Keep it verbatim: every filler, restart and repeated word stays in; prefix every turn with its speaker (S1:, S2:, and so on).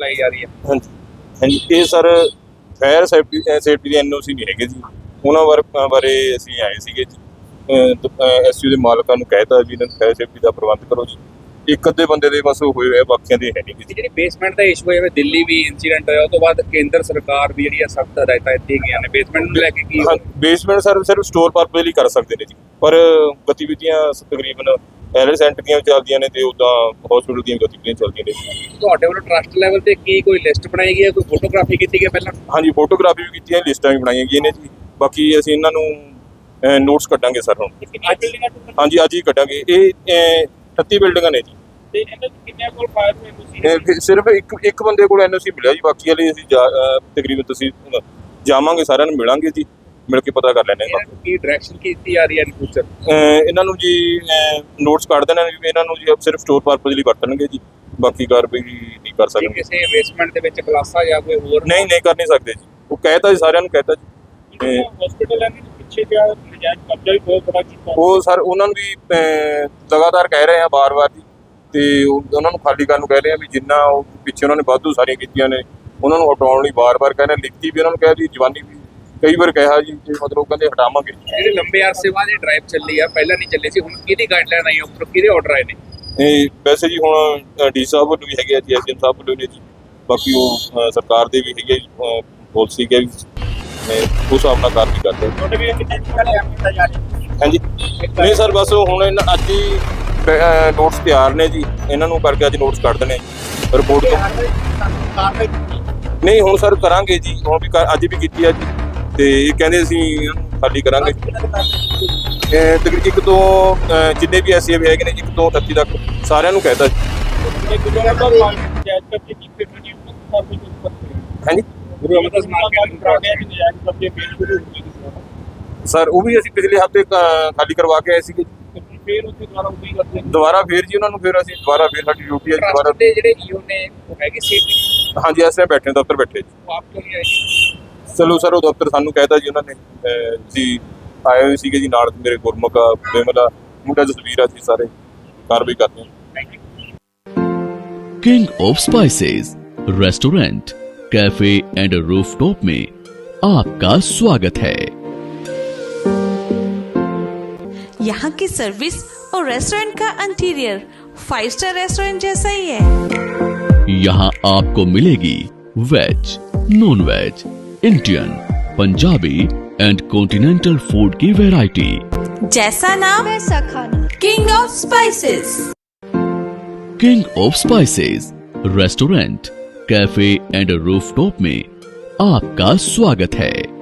S1: लाई जा रही है।
S2: हाँ जी हाँ जी ਇਹ ਸਰ ਫਾਇਰ ਸੇਫਟੀ ਸੇਫਟੀ ਦੀ ਐਨ ਓ ਸੀ ਨਹੀਂ ਹੈਗੇ ਜੀ, ਉਹਨਾਂ ਬਾਰੇ ਬਾਰੇ ਅਸੀਂ ਆਏ ਸੀਗੇ ਜੀ। ਐਸ ਯੂ ਦੇ ਮਾਲਕਾਂ ਨੂੰ ਕਹਿਤਾ ਵੀ ਇਹਨਾਂ ਨੂੰ ਫਾਇਰ ਸੇਫਟੀ ਦਾ ਪ੍ਰਬੰਧ ਕਰੋ ਜੀ। ਇੱਕ ਅੱਧੇ ਬੰਦੇ ਦੇ ਬਸ ਹੋਏ ਹੋਏ, ਬਾਕੀਆਂ ਦੇ ਹੈ ਨਹੀਂ ਜੀ।
S1: ਜਿਹੜੀ ਬੇਸਮੈਂਟ ਦਾ ਇਸ਼ੂ ਹੈ, ਦਿੱਲੀ ਵੀ ਇਨਸੀਡੈਂਟ ਹੋਇਆ, ਉਸ ਤੋਂ ਬਾਅਦ ਕੇਂਦਰ ਸਰਕਾਰ ਦੀ ਜਿਹੜੀ ਸਖਤ ਹਦਾਇਤਾਂ ਦਿੱਤੀਆਂ ਗਈਆਂ ਨੇ ਬੇਸਮੈਂਟ ਨੂੰ ਲੈ ਕੇ। ਕੀ
S2: ਹਾਂ, ਬੇਸਮੈਂਟ ਸਰ ਸਿਰਫ ਸਟੋਰ ਪਰਪਸ ਲਈ ਕਰ ਸਕਦੇ ਨੇ ਜੀ, ਪਰ ਗਤੀਵਿਧੀਆਂ ਤਕਰੀਬਨ ਪੈਲੇਸ ਸੈਂਟਰ ਦੀਆਂ ਚੱਲਦੀਆਂ ਨੇ ਤੇ ਉੱਦਾਂ ਹਸਪੀਟਲ ਦੀਆਂ ਗਤੀਵਿਧੀਆਂ ਚੱਲਦੀਆਂ ਨੇ।
S1: ਤੁਹਾਡੇ ਵੱਲੋਂ ਟਰਸਟ ਲੈਵਲ ਤੇ ਕੀ ਕੋਈ ਲਿਸਟ ਬਣਾਈ ਗਈ ਹੈ, ਕੋਈ ਫੋਟੋਗ੍ਰਾਫੀ ਕੀਤੀ ਗਈ ਪਹਿਲਾਂ?
S2: ਹਾਂਜੀ, ਫੋਟੋਗ੍ਰਾਫੀ ਵੀ ਕੀਤੀ ਹੈ, ਲਿਸਟਾਂ ਵੀ ਬਣਾਈਆਂ ਗਈਆਂ ਨੇ ਜੀ। ਬਾਕੀ ਅਸੀਂ ਇਹਨਾਂ ਨੂੰ ਨੋਟਸ ਕੱਢਾਂਗੇ ਸਰ ਹੁਣ। ਹਾਂਜੀ, ਅੱਜ ਹੀ ਕੱਢਾਂਗੇ। ਇਹ ਅਠੱਤੀ ਬਿਲਡਿੰਗਾਂ ਨੇ ਜੀ
S1: ਤੇ ਇਹਨਾਂ ਦੇ ਕਿੰਨੇ ਕੋਲ ਫਾਇਰ ਹੋਏ ਤੁਸੀਂ?
S2: ਇਹ ਸਿਰਫ ਇੱਕ ਇੱਕ ਬੰਦੇ ਕੋਲ ਐਨ ਓ ਸੀ ਮਿਲਿਆ ਜੀ, ਬਾਕੀ ਵਾਲੇ ਅਸੀਂ ਤਕਰੀਬਨ ਤੁਸੀਂ ਜਾਵਾਂਗੇ, ਸਾਰਿਆਂ ਨੂੰ ਮਿਲਾਂਗੇ ਜੀ, ਮਿਲ ਕੇ ਪਤਾ ਕਰ ਲੈਣੇ।
S1: ਕੀ ਡਾਇਰੈਕਸ਼ਨ ਕੀਤੀ ਜਾ ਰਹੀ ਹੈ ਇਨ ਫਿਊਚਰ?
S2: ਇਹਨਾਂ ਨੂੰ ਜੀ ਨੋਟਸ ਕੱਢ ਦੇਣਾ ਵੀ ਇਹਨਾਂ ਨੂੰ ਜੀ ਸਿਰਫ ਸਟੋਰ ਪਰਪਸ ਲਈ ਵਰਤਣਗੇ ਜੀ, ਬਾਕੀ ਕਾਰਵਾਈ ਨਹੀਂ ਕਰ ਸਕਦੇ।
S1: ਕਿਸੇ ਬੇਸਮੈਂਟ ਦੇ ਵਿੱਚ ਕਲਾਸਾਂ ਜਾਂ ਕੋਈ ਹੋਰ?
S2: ਨਹੀਂ ਨਹੀਂ, ਕਰ ਨਹੀਂ ਸਕਦੇ ਜੀ। ਉਹ ਕਹਿਤਾ ਜੀ, ਸਾਰਿਆਂ ਨੂੰ ਕਹਿਤਾ ਜੀ।
S1: ਹਸਪੀਟਲ ਹੈ ਪਿੱਛੇ ਜਿਹੜਾ ਨਜਾਇਜ਼ ਕਬਜ਼ਾ ਵੀ ਬਹੁਤ ਬੜਾ ਕੀਤਾ
S2: ਉਹ ਸਰ ਉਹਨਾਂ ਨੂੰ ਵੀ ਲਗਾਤਾਰ ਕਹਿ ਰਹੇ ਆ ਬਾਰ-ਬਾਰ ਜੀ, ਤੇ ਉਹਨਾਂ ਨੂੰ ਖਾਲੀ ਕਰਨ ਨੂੰ ਕਹਿ ਰਹੇ ਆ ਵੀ ਜਿੰਨਾ ਉਹ ਪਿੱਛੇ ਉਹਨਾਂ ਨੇ ਵਾਧੂ ਸਾਰੀਆਂ ਕੀਤੀਆਂ ਨੇ ਉਹਨਾਂ ਨੂੰ ਹਟਾਉਣ ਲਈ ਬਾਰ-ਬਾਰ ਕਹਿ ਰਹੇ। ਲਿਖਤੀ ਵੀ ਉਹਨਾਂ ਨੂੰ ਕਹਿ ਦੀ, ਜਵਾਨੀ ਵੀ ਕਈ ਵਾਰ ਕਿਹਾ ਜੀ, ਮਤਲਬ ਕਹਿੰਦੇ ਹਟਾਵਾਂਗੇ।
S1: ਜਿਹੜੇ ਲੰਬੇ ਅਰਸੇ ਬਾਅਦ ਇਹ ਡਰਾਈਵ ਚੱਲੀ ਆ, ਪਹਿਲਾਂ ਨਹੀਂ ਚੱਲੀ ਸੀ, ਹੁਣ ਕਿਹਦੀ ਗਾਈਡਲਾਈਨ ਆਈ, ਉੱਪਰੋਂ ਕਿਹਦੇ ਆਰਡਰ ਆਏ ਨੇ?
S2: ਇਹ ਵੈਸੇ ਜੀ ਹੁਣ ਡੀ ਸਾਹਿਬ ਵੱਲੋਂ ਵੀ ਹੈਗੇ ਆ ਜੀ, ਐਸ ਡੀ ਐਮ ਸਾਹਿਬ ਵੱਲੋਂ ਨੇ ਜੀ, ਬਾਕੀ ਉਹ ਸਰਕਾਰ ਦੇ ਵੀ ਹੈਗੇ ਪਾਲਿਸੀ ਕੇ ਉਸ ਹਿਸਾਬ ਨਾਲ ਕਾਰਵਾਈ ਕਰਦੇ।
S1: ਤੁਹਾਡੇ ਵੀ ਕਿੰਨੇ ਟਾਈਮ ਕੀਤਾ ਜਾ ਰਿਹਾ?
S2: ਹਾਂਜੀ, ਨਹੀਂ ਸਰ, ਬਸ ਹੁਣ ਇਹਨਾਂ ਅੱਜ ਹੀ ਨੋਟਸ ਤਿਆਰ ਨੇ ਜੀ, ਇਹਨਾਂ ਨੂੰ ਕਰਕੇ ਅੱਜ ਨੋਟਸ ਕੱਢ ਦੇਣੇ ਰਿਪੋਰਟ ਤੋਂ। ਨਹੀਂ ਹੁਣ ਸਰ ਕਰਾਂਗੇ ਜੀ, ਹੁਣ ਵੀ ਅੱਜ ਵੀ ਕੀਤੀ ਆ ਜੀ, ਤੇ ਇਹ ਕਹਿੰਦੇ ਅਸੀਂ ਇਹਨੂੰ ਖਾਲੀ ਕਰਾਂਗੇ। ਤਕਰੀਬਨ ਇੱਕ ਤੋਂ ਜਿੰਨੇ ਵੀ ਐਸ ਏ ਹੈਗੇ ਨੇ, ਇੱਕ ਤੋਂ ਅਠੱਤੀ ਤੱਕ ਸਾਰਿਆਂ ਨੂੰ ਕਹਿਤਾ ਜੀ। ਹਾਂਜੀ ਸਰ, ਉਹ ਵੀ ਅਸੀਂ ਪਿਛਲੇ ਹਫ਼ਤੇ ਖਾਲੀ ਕਰਵਾ ਕੇ ਆਏ ਸੀਗੇ। ਦੁਬਾਰਾ ਫੇਰ ਜੀ ਉਹਨਾਂ ਨੂੰ ਫਿਰ ਅਸੀਂ ਦੁਬਾਰਾ ਫੇਰ ਸਾਡੀ ਡਿਊਟੀ ਹੈ ਦੁਬਾਰਾ।
S1: ਜਿਹੜੇ ਈਓ ਨੇ ਉਹ ਹੈਗੇ ਸੀ? ਹਾਂਜੀ,
S2: ਇਸ ਤਰ੍ਹਾਂ ਬੈਠੇ ਦਫ਼ਤਰ ਬੈਠੇ ਜੀ।
S1: ਆਪ ਕਿਉਂ ਨਹੀਂ ਆਏ?
S2: ਚਲੋ ਸਰ, ਉਹ ਦਫ਼ਤਰ ਸਾਨੂੰ ਕਹਿਤਾ ਜੀ ਉਹਨਾਂ ਨੇ, ਜੀ ਆਏ ਹੋਏ ਸੀਗੇ ਜੀ, ਨਾਲ ਮੇਰੇ ਗੁਰਮੁਖ ਆ, ਬੇਮਲਾ ਮੁੰਡਾ ਜਸਵੀਰ ਆ, ਜੀ ਸਾਰੇ ਕਾਰਵਾਈ ਕਰਦੇ ਹਾਂ।
S3: King of spices restaurant, cafe and rooftop में आपका स्वागत है।
S4: यहाँ की सर्विस और रेस्टोरेंट का इंटीरियर फाइव स्टार रेस्टोरेंट जैसा ही है।
S3: यहाँ आपको मिलेगी veg, non veg, Indian, Punjabi and continental food की वैरायटी।
S4: जैसा नाम वैसा खाना। King of spices.
S3: King of spices restaurant, cafe and rooftop में आपका स्वागत है।